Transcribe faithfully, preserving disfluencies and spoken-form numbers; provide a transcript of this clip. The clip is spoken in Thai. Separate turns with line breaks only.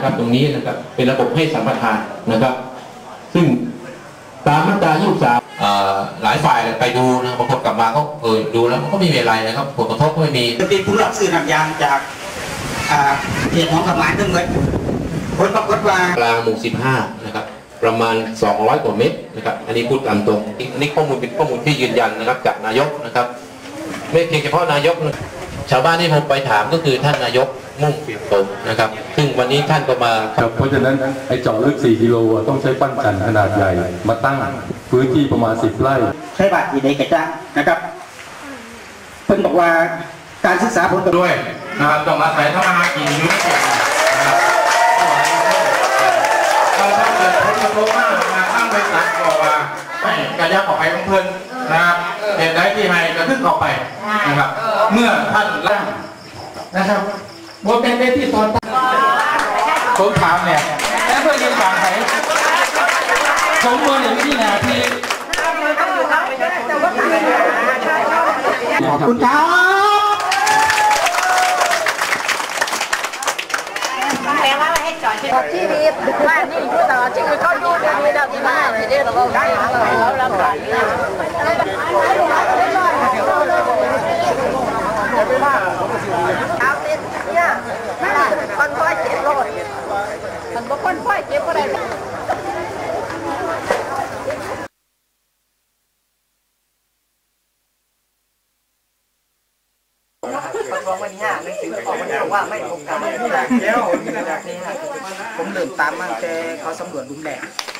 นะครับตรงนี้นะครับเป็นระบบให้สัมปทานนะครับซึ่งตามมาตรายี่สิบสามหลายฝ่ายไปดูนะบางคนกลับมาก็เออดูแล้วมันก็ไม่มีอะไรนะครับผลกระทบก็ไม่มี
เป็นผู้รับซื้อน้ำยางจากเหตุของกฎหมายทั้งหมดผลปรากฏว่าก
ลางหมู่สิบห้านะครับประมาณสองร้อยกว่าเมตรนะครับอันนี้พูดตามตรงนี่ข้อมูลเป็นข้อมูลที่ยืนยันนะครับจากนายกนะครับไม่เพียงเฉพาะนายกชาวบ้านที่ผมไปถามก็คือท่านนายกมุ่งเปลี่ยนตรงนะครับซึ่งวันนี้ท่านก็มา
เพราะฉะนั้นไอ้เจาะลึกสี่กิโลต้องใช้ปั้นจันทร์ขนาดใหญ่มาตั้งพื้นที่ประมาณสิบไร่
ใช้บาทที่ใดกระจ้างนะครับเพิ่นบอกว่าการศึกษาผล
ด้วยนะครับต้องอาศัยทำมาหากินอยู่นะครับเราถ้าเกิดผลกระทบมากมาตั้งบริษัทบอกว่าไม่กระยับออกไปของเพิ่นนะครับเหตุใดที่ให้กระทึกออกไปนะครับเมื่อท่านร่างนะครับว่าเป็นได้ที่ตอนผมถามเนี่ยแล้วเพื่อยืนฟังใครสมมติอย่างที่นาที
ขอบคุณครับ
แปลว่าให้จอดที่ดีว่านี่พูดต่อที่คือเขาดูดีๆเราที่มาจะได้เราได้เราลำบากเอาเต็มเนี่ยคนพ่อเจ็บโลดมันบอกคนพ่อเจ็บอะไรบอกวันนี้หนังสือออกมาบอกว่าไม่โอกาสนี่ค่ะผมเริ่มตามมาแต่เขาสำรวจลุมแดง